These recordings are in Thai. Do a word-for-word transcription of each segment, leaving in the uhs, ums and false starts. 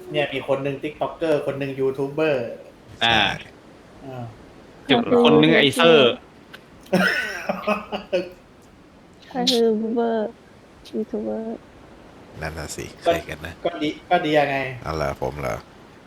เนี่ยมีคนหนึ่งติ๊กต็อกเกอร์คนหนึ่งยูทูบเบอร์อ่าอ่าจุดคนหนึงไอเซอร์ก็คือเบอร์ยูทูบเบอร์นั่นน่ะสิใคก็รกันนะก็ดีก็ดียังไงเอาเหรอผมเหรอ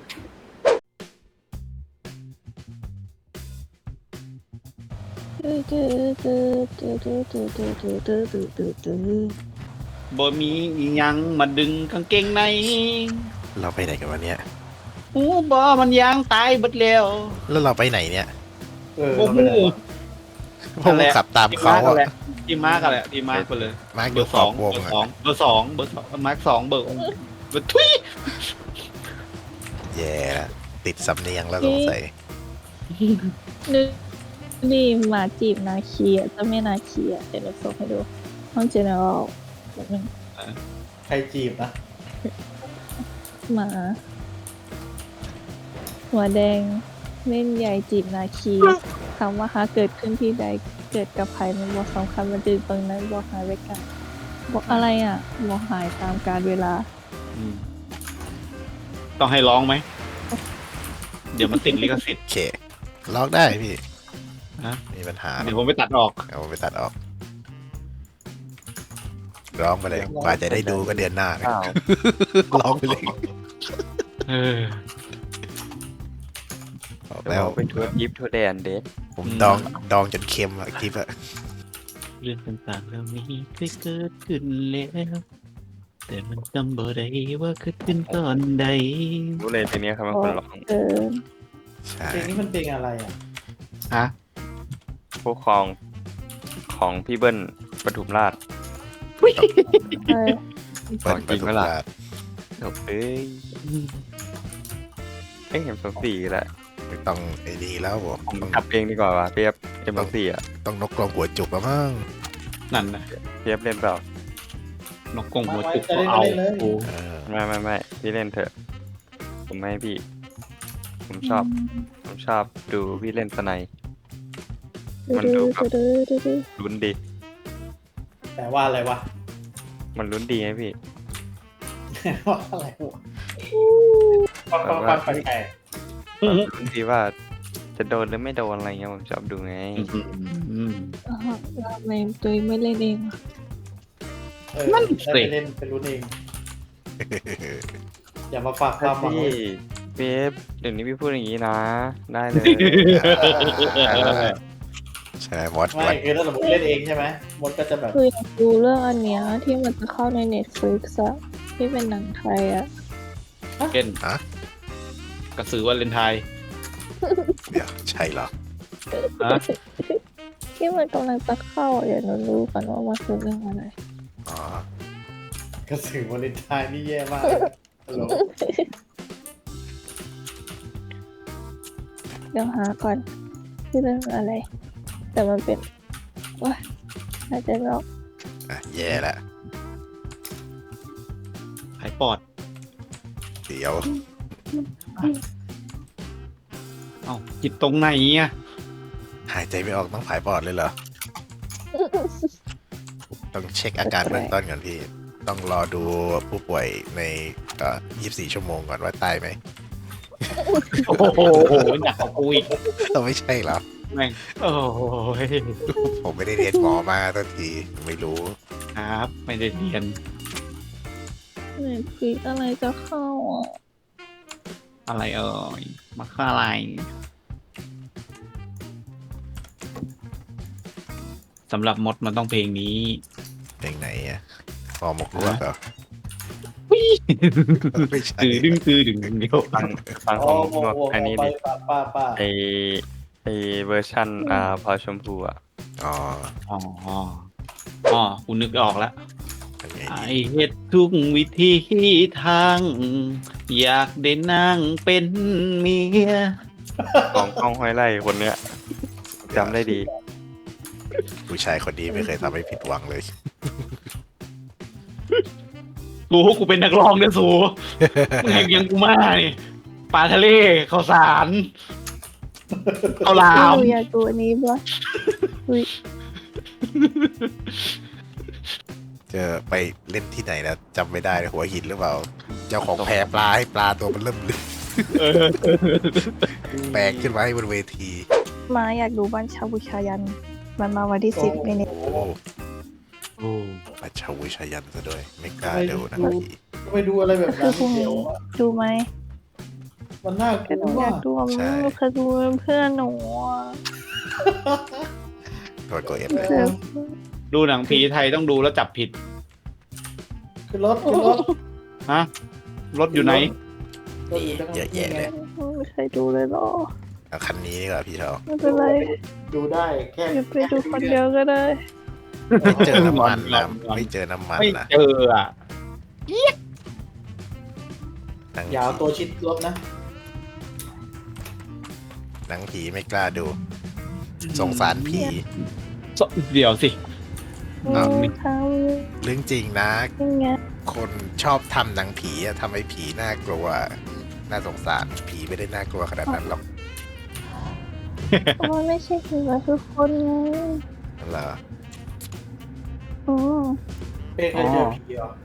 ตื้อตื้อตื้อตื้อตื้อตื้อตื้อตื้อตื้อตื้อตื้อตื้อบ่มีอิหยังมาดึงกางเกงในเราไปไหนกันวันเนี้ยหูบ่มันยางตายเบิดแล้วแล้วเราไปไหนเนี่ยเออบ่เราไปฮู้พวกขับตามทีมเขามาร์กอะแหละทีมมาร์กแหละทีมมาร์กไปเลยมาร์กเบออยู่ ร์ขสออบ งวงเบอร์อะสองเบอร์สองเบอร์สองมาร์กสองเบอร์เบอร์ทุยแย่ละติดสำเนียงแล้วสงสัยนึกนี่หมาจีบนาเคียจะไม่นาเคียเดี๋ยวเราส่งให้ดูห้องเจเนอเรลแบบนึงใครจีบนะหมาหัวแดงเล่นใหญ่จีบนาคีคำว่าหาเกิดขึ้นที่ใดเกิดกับใครมันบอกสำคัญมันจืนตรงนั้นบอกหายไปกันบอกอะไรอ่ะบอกหายตามกาลเวลาอืมต้องให้ร้องไหม เดี๋ยวมันติดลิขสิทธิ์โอเคล็อกได้พี่ฮะมีปัญหาเดี๋ยวผมไปตัดออกเอาไปตัดออก ร้องไปเลยกว่าจะได้ดูก็เดือนหน้านะอ้าวร้องไปเลยเออบอกแล้แล้ว วเป็นทัวร์ยิปทัวร์แดนเดทผมดองดองจนเค็มอะคลิปอะเรื่องต่างๆเหล่านี้เคยเกิดขึ้นแล้วแต่มันจำบ่ได้ว่าเกิดขึ้นตอนใดรู้เลยเพลงนี้ครับเป็นคนร้องเกินใช่เพลงนี้มันเพลงอะไรอ่ะฮะผู้ครองของพี่เบิ้ลปทุมราชใช่เปิดจปริระงตูไหมล่ะราชจบเอ้ยเอ้ยเห็นสองสี่แล้วไม่ต้องไอ้นี่แล้วผมผมต้องขับเองดีกว่าว่ะเปียบเอ็มสองสี่อ่ะต้องนกกรงหัวจุกแล้วมั้งนั่นนะเปียบเล่นเปล่านกกงหัวมาไว้จุกจะก็เล่นเอาเล่นเลยโอ้เออไม่ไม่ไม่พี่เล่นเถอะ ผมไม่ให้พี่ ผมชอบ ผมชอบดูพี่เล่นสไนด์ มันดูแบบ ลุ้นดีแต่ว่าอะไรวะมันลุ้นดีไงพี่ว่าอะไรวะฟังฟังฟังแปลกลุ้นดีว่า จะโดนหรือไม่โดนอะไรเงี้ยผมชอบดูไงอืมอ่าฮะทำไมตัวเองไม่เล่นเองอะๆเออนั่นสิได้ไปเล่นไปรู้เอง อย่ามาฝากความหวังพี่ไว้เป๊ปเดี๋ยวนี้พี่พูดอย่างนี้นะ ได้เลยใช่มดไม่วันคือถ้าสมมติเล่นเองใช่ไหมมดก็จะแบบคืออยากดูเรื่องอันเนี้ยที่มันจะเข้าใน Netflix อะที่เป็นหนังไทยอะเก่นฮะกระสือวันเลนไทน์เดี๋ยวใช่เหรอฮะที่มันกำลังจะเข้าอะเดี๋ยวหนูรู้ก่อนว่ามันคือเรื่องอะไรอ๋อกระสือวาเลนไทน์นี่แย่มากฮัลโหลเดี๋ยวหาก่อนที่เรื่องอะไร แต่มันเป็นว้าอาจจะลอกอ่ะแย่ละหายปอดเดี๋ยวเอ้าจิตตรงไหนอ่ะหายใจไม่ออกต้องผายปอดเลยเหรอ ต้องเช็คอาการเบื้องต้นก่อนพี่ ต้องรอดูผู้ป่วยในเอ่อยี่สิบสี่ชั่วโมงก่อนว่าตายไหมโอ้โหหนักกว่ากูอีกเราไม่ใช่เหรอแม่งโอ้ยผมไม่ได้เรียนหมอมาทันทีไม่รู้ครับ ไม่ได้เรียนเน็ตฟลิกอะไรจะเข้าอ่ะอะไรเอ่ยมาค่าอะไรสำหรับมดมันต้องเพลงนี้เพลงไหนอ่ะพอหมกลวกเหรอไม่ใช่ตือดึงตือดึงเดียวฟังฟังขโอ้องโหนวดโอ้โหอันนี้ไปดิป้าป้าป้าไอไอเวอร์ชันอ่าพอชมพูอ่ะอ๋ออ๋ออ๋อกูนึกออกแล้วเป็นไงไอดีเฮ็ดทุกวิธีทาง อยากได้นั่งเป็นเมียของกล้องห้อยไล่คนเนี้ยจำได้ดีผู้ชายคนนี้ไม่เคยทำให้ผิดหวังเลยกูกูเป็นนักร้องเนี่ยสูมึงยังยังกูมานี่ปลาทะเลข้าวสารข้าวหลามหนูอยากดูอันนี้ปะอุ้ยเจอไปเล่นที่ไหนแล้วจำไม่ได้เลยหัวหินหรือเปล่า เจ้าของแพปลาให้ปลาตัวมันเริ่มลึกเออแปลกขึ้นมาให้บนเวทีมาอยากดูบ้านชาวบุชายัน มันมาวันที่สิบในนี้โอ้โอ้ปัจฉาวิชายันซะด้วย ไม่กล้าดูนะพี่ก็ไปดูอะไรแบบคืนั้อน พรุ่งเดี๋นี้ยวดูไหมมันน่ากก็หนูลัวอยากดูอะมันไม่เคยดูเพื่อนหนูอะโดนตัวเอฟเลยเพื่อนดูหนังผีไทยต้องดูแล้วจับผิดขึ้นรถขึ้นรถฮะ รถอยู่ไหนรถอยู่ตรงเยอะแยะเลยไม่เคยดูเลยเหรอเอาคันนี้ดีกว่าพี่เทาไม่เป็นไรดูได้แค่เดี๋ยวไปดูคนเดียวก็ได้ไม่เจอน้ำมันนะงอนไม่เจอน้ำมันไม่นะเจออ่ะหนังอย่าเอาผีตัวชิดรถนะหนังผีไม่กล้าดู สงสารผีเดี๋ยวสิอ้าวอืมทเรื่องจริงนะำยังไงคนชอบทำหนังผีอะทำให้ผีน่ากลัว น่าสงสารผีไม่ได้น่ากลัวขนาดนั้นหรอกเพราะมันไม่ใช่คือว่าคือคนไงนั่นเหรออืมเป้เคยเจอผีเหรอ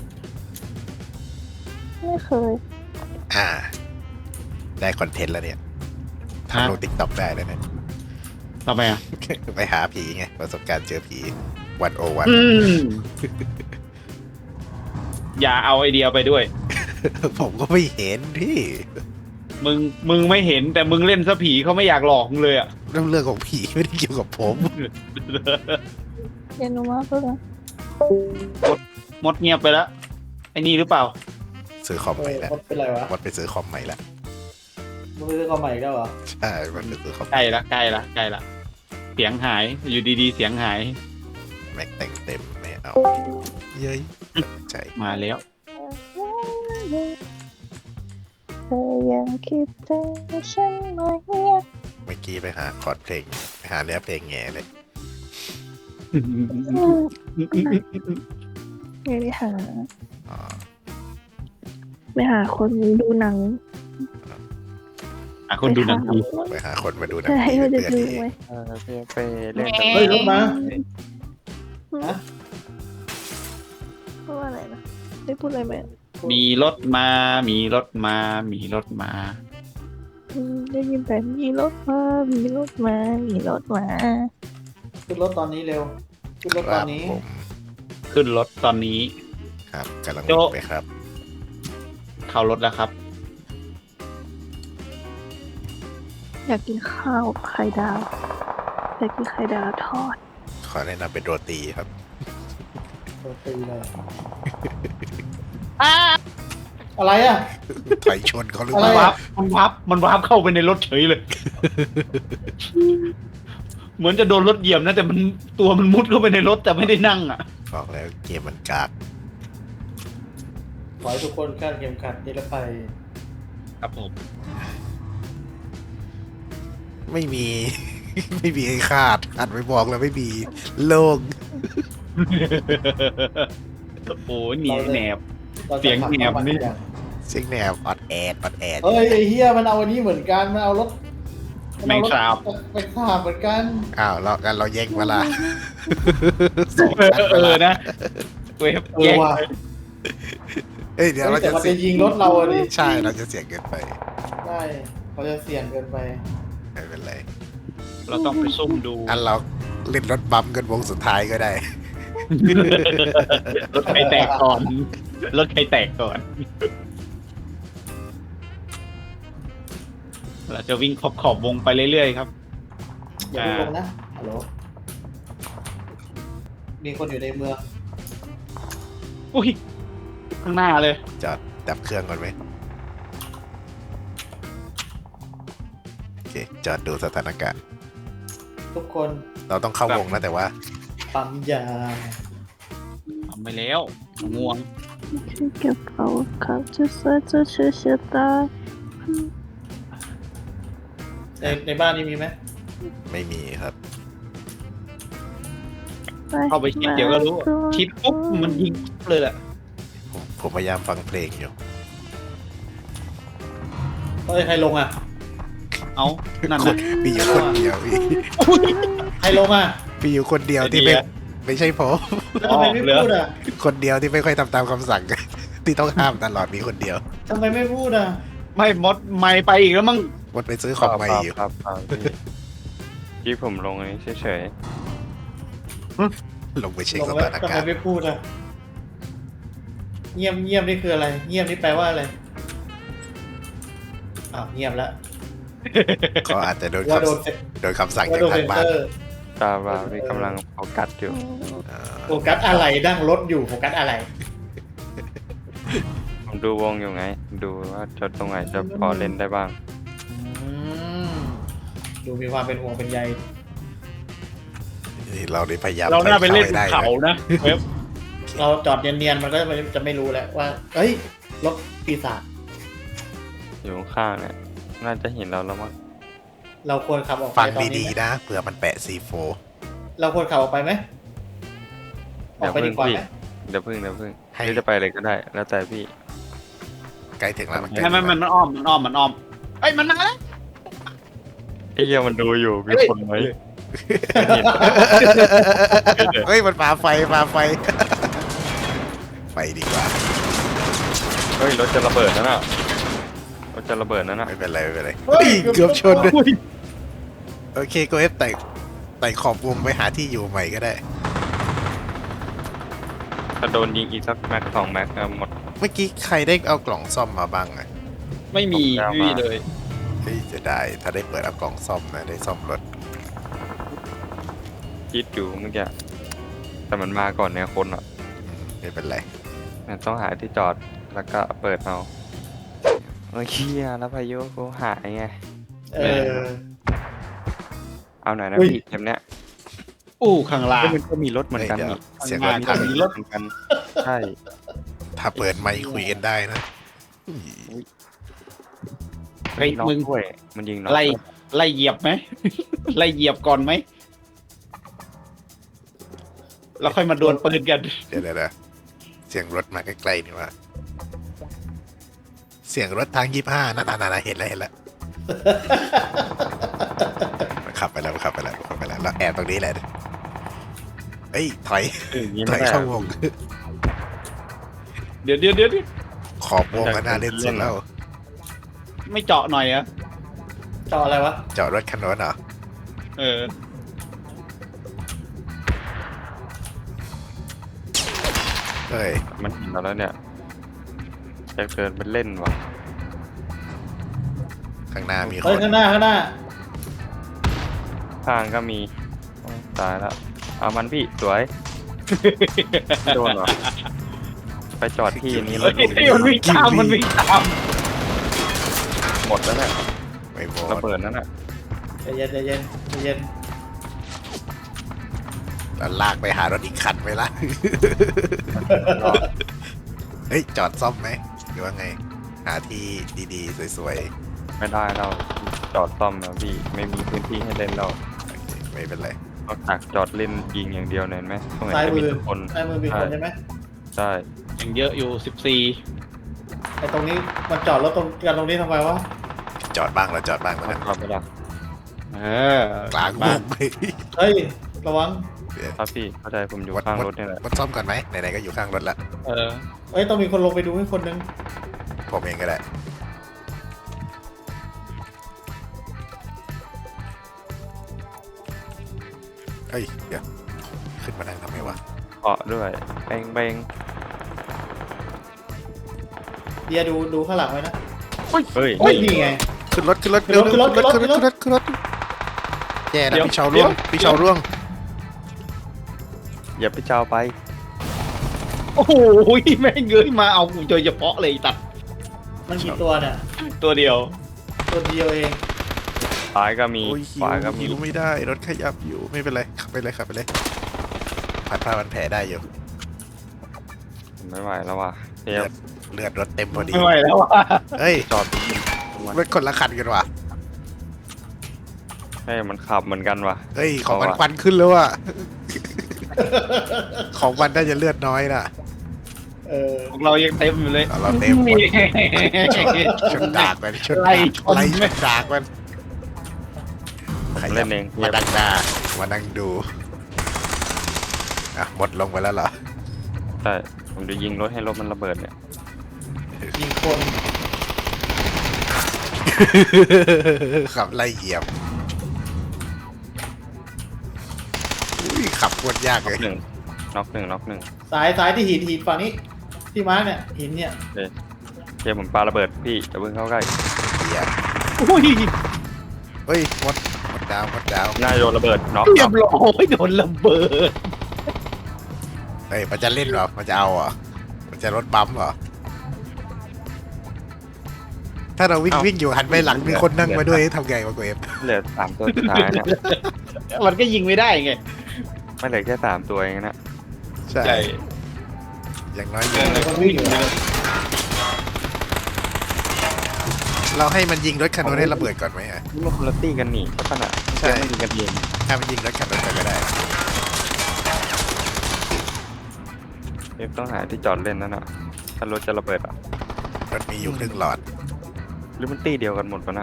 ไม่เคยอ่า ได้คอนเทนต์แล้วเนี่ยทำลงติ๊กต็อกได้เลยเนี่ยทำไมอ่ะไปหาผีไง ประสบการณ์เจอผีวันโอวันอืม อย่าเอาไอเดียไปด้วยผมก็ไม่เห็นพี่มึง มึงไม่เห็นแต่มึงเล่นซะผีเขาไม่อยากหลอกมึงเลยอ่ะเรื่องเรื่องของผีไม่ได้เกี่ยวกับผมเรียนรู้มากเลยนะมดเงียบไปแล้ว ไอ้นี่หรือเปล่าซื้อคอมเอใหม่อแล้วมันเป็นไรวะวัดไปซื้อคอมใหม่แล้วมันเป็นเรื่องความใหม่อีกแล้วเหรอใช่มันไปซื้อคอมใกล้ละใกล้ละใกล้ละ เสียงหาย อยู่ดีๆ เสียงหายแม็กแต่งเต็มไม่เอาเย้ยใช่มาแล้วเธอยังคิดถึงฉันไหมเมื่อกี้ไปหาคอร์ดเพลงไปหาเนื้อเพลงแง่เลยไม่ได้หาอ๋อไปหาคนดูหนังอ่ะคนดูหนังผีไปหาคนมาดูหนังใช่ผีว่าจะเพื่อนดูที่ไหมเออพี่ไปเล่นเฮ้ยรถมาพูดว่าอะไรนะได้พูดอะไรไหมมีรถมา มีรถมา มีรถมาอืมได้ยินแต่มีรถมามีรถมามีรถมาขึ้นรถตอนนี้เร็วขึ้นรถคตอรันบนี้ผมขึ้นรถตอนนี้ครับกำลังโจ๊ะไปครับเข้ารถแล้วครับอยากกินข้าวไข่ดาวอยากกินไข่ดาวทอดขอแนะนำเป็นโรตีครับโดนตีเลยอะไรอ่ะถอยชนเขาหรืออะเปไรล่าอะมันวับ มันวับ มันวับเข้าไปในรถเฉยเลย เหมือนจะโดนรถเหยียบนะ แต่มันตัวมันมุดเข้าไปในรถแต่ไม่ได้นั่งอ่ะบอกแล้วเกมมันกากขอให้ทุกคนคาดเข็มขัดนิรภัยครับผมไม่มี ไม่มีไอ้คาดคาดไม่บอกแล้วไม่มีโล่งโอ้ยหนีแหนบราจะเสียงแหบนี่ขับเสียงแนวออดแอดออดแอดเฮ้ยไอ้เฮียมันเอาอันนี้เหมือนกันมันเอารถแมงสาบแมงสาบเหมือนกันอ้าวเรากันเราแย่งเวลาเออเออนะเวฟเออแย่งว่ะเอ้ยเดี๋ยวเราแต่จะมันเสีจะยยิงรถเราอะดิใช่เราจะเสียงเกินไปได้เขาจะเสี่ยงเกินไปไม่เป็นไรเราต้องไปซุ่มดูอันเราเล่นรถบัมกันวงสุดท้ายก็ได้รถใครแตกก่อน รถใครแตกก่อน เราจะวิ่งขอบขอบวงไปเรื่อยๆครับอย่าเพิ่งลงนะฮัลโหลมีคนอยู่ในเมืองอุ้ย ข้างหน้าเลยจอดดับเครื่องก่อนไหมโอเคจอดดูสถานการณ์ทุกคนเราต้องเข้าวงนะแต่ว่าปั๊มยาทำไปแล้วง่วงที่กระเป๋าเขาจะใส่จะเชื่อเชื่อตาในในบ้านนี้มีไหมไม่มีครับเข้าไปคิดเดี๋ยวก็รู้ คิดปุ๊บมันยิงปุ๊บเลยแหละผมผมพยายามฟังเพลงอยู่เฮ้ยใครลงอ่ะเอานั่นคนะนมีอยู่คนเดียวพี่ใครลงอ่ะมีอยู่คนเดียวที่ไม่ไม่ใช่ผมแล้วทำไมไม่พูดอ่ะคนเดียวที่ไม่ค่อยทำตามคำสั่ง ที่ต้องห้ามตลอดมีคนเดียวทำไมไม่พูดอ่ะไม่มดไม่ไปอีกแล้วมั้งหมดไปซื้อของใหม่อยู่ครับครับครับพี่ที่ผมลงอันนี้เฉยลงไปเช็คลงสแล้วถานทำไมการณ์ไม่พูดอ่ะ เงียบเงียบนี่คืออะไร เงียบนี่แปลว่าอะไรอ้าวเงียบแล้วเขาอาจจะโดนว่าโดนคำเซ็นโดนคำสั่งว่าจากโดนทาเซ็งนบ้าเซนอร์ๆตาว่าพี่กำลังโฟกัสอยู่เอ่อโฟกัสอะไรนั่งรถอยู่โฟกัสอะไรผมดูวงอยู่ไง ดูว่าจุดตรงไหนจะพอเล่นได้บ้างอืมดูมีความเป็นห่วงเป็นใยนี่เราได้พยายามเราน่าไปเล่นให้เขาได้นะเว็บเราจอดเนียนๆมันก็จะไม่รู้แล้วว่า เอ้ยรถปีศาจอยู่ข้างๆเนี่ยน่าจะเห็นเราแล้วมั้งเราควรขับออกไปฟังตอนนี้ดีไหมๆนะเผื่อมันแปะ ซี โฟร์เราควรขับออกไปไหมออกไปดีกว่าไหมเดี๋ยวพึ่งเดี๋ยวพึ่งให้พี่จะไปเลยก็ได้ แล้วแต่พี่ใกล้ถึงแล้วมันใกล้ให้ถึงมันแล้วมันอ้อมมันอ้อมมันอ้อมเอ้ยมันมาแล้วไอ้เหี้ยมันดูอยู่มีเฮ้ยคนไหมเฮ้ยมันปาไฟปาไฟ ไปดีกว่าเฮ้ยรถจะระเบิดนั่นน่ะรถจะระเบิดนั่นน่ะไม่เป็นไรไม่เป็นไรเฮ้ยเกือบชนด้วยอุ้ยโอเคก็เอฟไต่ไต่ขอบวงไปหาที่อยู่ใหม่ก็ได้ถ้าโดนยิงอีกสักแม็กสองแม็กก็หมดเมื่อกี้ใครได้เอากล่องซ่อมมาบ้างอะไม่มีผมจะเอาไม่มีมาเลยเฮ้ยจะได้ถ้าได้เปิดเอากล่องซ่อมนะได้ซ่อมรถคิดอยู่เมื่อกี้แต่มันมาก่อนเนี่ยคนอ่ะอืมไม่เป็นไรมันต้องหาที่จอดแล้วก็เปิดเอาเมื่อกี้อะแล้วพายุกูหายไงเออเอาหน่อยนะอุ้ยพี่เกมเนี้ยอู้ข้างล่างเฮ้ยมันก็มีรถเหมือนกันเดี๋ยวนี่เสียงรข้าถงพัล่าง งมีรถเหมือนกัน ใช่ถ้าเปิดไมค์คุยกันได้นะเฮ้ยน็อกมึงด้วยมันยิงน็อกไล่ไล่เหยียบไหม ไล่เหยียบก่อนไหมแล้วค่อยมาดวลปืนกันเดี๋ยวเดี๋ยวเดี๋ยวเสียงรถมาใกล้ๆนี่ว่า เสียงรถทางยี่ห้านั่นนั่นเห็นแล้วเห็นแล้วมันขับไปแล้วมันขับไปแล้วขับไปแล้วแล้วแอบตรงนี้แหละเอ้ยถอยเอออย่างนี้ถไม่อยได้เข้าวงเดี๋ยวเดี๋ยวเดี๋ยวเดี๋ยวขอบวงก็น่าเล่นสุดแล้วไม่เจาะหน่อยอะจออะไรวะจอดรถคันโน้นเหรอเออเฮ้ยมันเห็นเราแล้วเนี่ยจะเกินเป็นเล่นวะข้างหน้ามีคเฮ้ยนข้างหน้าข้างหน้าข้างก็มีโอ้ยตายแล้วเอามันพี่สวยไม่โดนเหรอไปจอดที่นี้แล้เฮ้วย ดูดิมันวิ่งตามมันวิ่งตามหมดแล้วเนี่ยไม่หมระดเบิดนั่นน่ะใจเย็นใจเย็นใจเย็นแล้วลากไปหารถอีกคันไหมล่ะ เฮ้ย จอดซ่อมไหมหรือว่าไง หาที่ดีๆ สวยไม่ได้เราจอดซ่อมแล้วพี่ไม่มีพื้นที่ให้เล่นเราๆโอเคไม่เป็นไรนอกจากจอดเล่นยิงอย่างเดียวเนี่ยเห็นไหมตรงไหนซ้ายจะมืมีอแต่คนซ้ายมือมีคนใช่ไหมใช่ยังเยอะอยู่สิบสี่ไอ้ตรงนี้มันจอดรถตรงกันตรงนี้ทำไมวะจอดบ้างแล้วจอดบ้างแล้วกันจอดไปละเออกลางวบ้านงไปเฮ้ยระวังครับพี่เข้าใจผมอยู่วัดข้างวัดรถนี่แหละวัดซ่อมก่อนไหมไหนๆก็อยู่ข้างรถละเออเฮ้ยต้องมีคนลงไปดูให้คนนึงผมเองก็ได้ เฮ้ย เดี๋ยว ขึ้นมานั่งทำไมวะเกาะด้วยเบงเบงเดียดูดูข้างหลังไว้นะเฮ้ยเฮ้ยนี่ไงขึ้นรถขึ้นรถขึ้นรถเร็วๆขึ้นรถขึ้นรถขึ้ขึ้นนรรถถขึ้นรถแย่นะเดี๋ยวพี่เชาร่วงเดี๋ยวพี่เชาร่วงอย่าไปเจ้าไปโอ้โหแม่งเงยมาเอากูโดยเฉพาะเลยตัดมันกี่ตัวเนี่ยตัวเดียวตัวเดียวเองซ้ายก็มีโอ้ยหิขวาว ก็มีหิวไม่ได้ รถขยับอยู่ ไม่เป็นไร ขับไปเลยขับไปเลยผัดผ้ามันแผลได้อยู่ผมไม่ไหวแล้วว่ะเดี๋เลืยวอดเลือดรถเต็มพอดีไม่ไหวแล้วว่ะเฮ้ยจอดรถคนละคันกันว่ะให้มันขับเหมือนกันว่ะเฮ้ย ของมันเอาว่ะควันขึ้นแล้วอ่ะ ของมันน่าจะเลือดน้อยน่ะเออพวกเรายังเต็มอยู่เลยเอาเราเต็มหมด ชนดากมันชนไล่ดากชนไล่ชนดากมันผมเล่นเองมาดังหน้ามานั่งดูอ่ะหมดลงไปแล้วเหรอใช่ผมจะยิงรถให้รถมันระเบิดเนี่ยยิงคนขับไล่เหยียบอุ้ยขับโคตรยากน็เลอกยหนึ่งน็อกหนึ่งน็อกหนึ่งซ้ายซ้ายที่หินหินฝั่งนี้ ที่มาร์กเนี่ยหินเนี่ยเกมผมปาระเบิดพี่อย่าเพิ่งเข้าใกล้เหยียบอุ้ยเฮ้ยหมดหมดดาวหมดดาวหน้าโยนระเบิดน็อกเรียบร้อยโดนระเบิดเฮ้ยมันจะเล่นเหรอมันจะเอาเหรอมันจะรถบัมป์เหรอถ้าเราวิ่งวิ่งอยู่หันไปหลังมีคนนั่งมาด้วยทำไงวะกูเอฟเหลือสามตัวสุดท้ายเนี่ยมันก็ยิงไม่ได้ไงไม่เหลือแค่สามตัวเองนะใช่ อย่างน้อยเออคนวิ่งอยู่เราให้มันยิงรถคันนู้นให้ระเบิดก่อนไหมฮะมันคนละตี้กันนี่ก็ขนาดใช่ใช่ไม่ยิงกันเองถ้ามันยิงรถคันนู้นไปก็ได้เอฟต้องหาที่จอดเล่นนั่นน่ะถ้ารถจะระเบิดอ่ะรถมีอยู่ครึ่งหลอดหรือมันตี้เดียวกันหมดปะนะ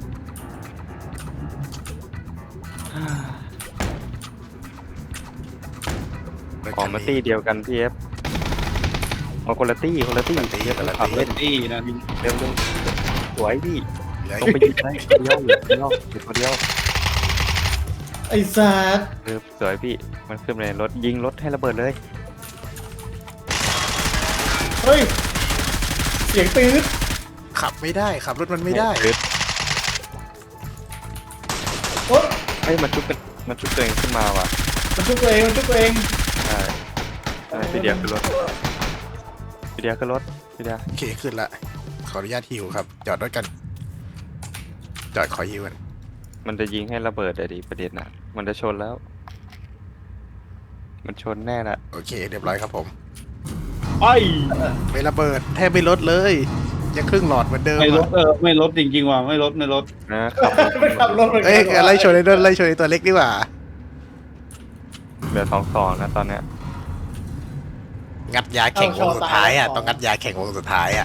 รถของคันมานี้ตี้เดียวกันพี่เอฟเอาคนละตี้คนละตี้คนละตี้เอฟคนละตี้ขับเล่เล่นนดีนะเร็วเร็วสวยพี่เหลือต้องไปยิงได้คนเดียวเหลือคนเดียวเหลือคนเดียวไอ้สัสเออสวยพี่มันขึ้นมาในรถยิงรถให้ระเบิดเลยเฮ้ยเสียงตื้นขับไม่ได้ขับรถมันไม่ได้เออโอ๊ยเฮ้ยมันชุบกันมันชุบตัวเองขึ้นมาว่ะมันชุบตัวเองมันชุบตัวเองใช่ใช่พี่เดียขึ้นรถพี่เดียขึ้นรถพี่เดียโอเคขึ้นละขออนุญาตฮิวครับ จอดรถกัน จอดขอฮิวกันมันจะยิงให้ระเบิดอะดิประเด็นน่ะมันจะชนแล้ว มันชนแน่ละโอเคเรียบร้อยครับผมไอ้ไม่ระเบิดแทบไม่ลดเลย ยังครึ่งหลอดเหมือนเดิมไม่ลดอะเออไม่ลดจริงๆว่ะไม่ลดไม่ลดนะขับรถไม่ขับรถเหมือนกัเอ้ยนไล่ชนไอ้นั่นไล่ชนไอ้ตัวเล็กดีกว่าเหลือสองสองนะตอนเนี้ยงัดยาแข่งวงสุดท้ายอ่ะต้องงัดยาแข่งวงสุดท้ายอ่ะ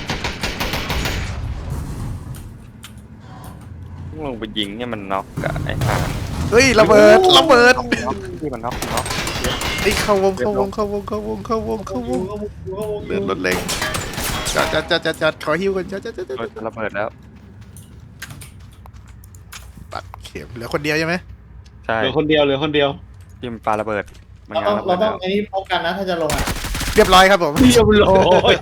ต้องลงไปยิงเนี่ยมันน็อกกับไอ้ห่าเฮ้ยระเบิดระเบิดน็อกที่มันน็อกน็อกไอ้ยเข้าวงเข้าวงเข้าวงเข้าวงเข้าวงเข้าวงเดินรถเล็กจอดจอดจอดจอดจอดขอฮิวกันจอดจอดจอดจอดรถจะระเบิดแล้วปักเข็มเหลือคนเดียวใช่ไหมใช่เหลือคนเดียวเหลือคนเดียวที่มันปาระเบิดมันเรางานต้องระเบิเราดต้อแล้งวไอ้นี่พบกันนะถ้าจะลงอ่ะเรียบร้อยครับผมเรียบร้อย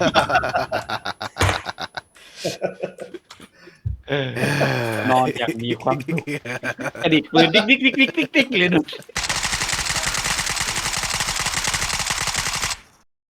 นอนอย่างมีความสุขกระดิกปืนดิ๊กดิ๊กดิ๊กดิ๊กดิ๊กดิ๊กเลยนะ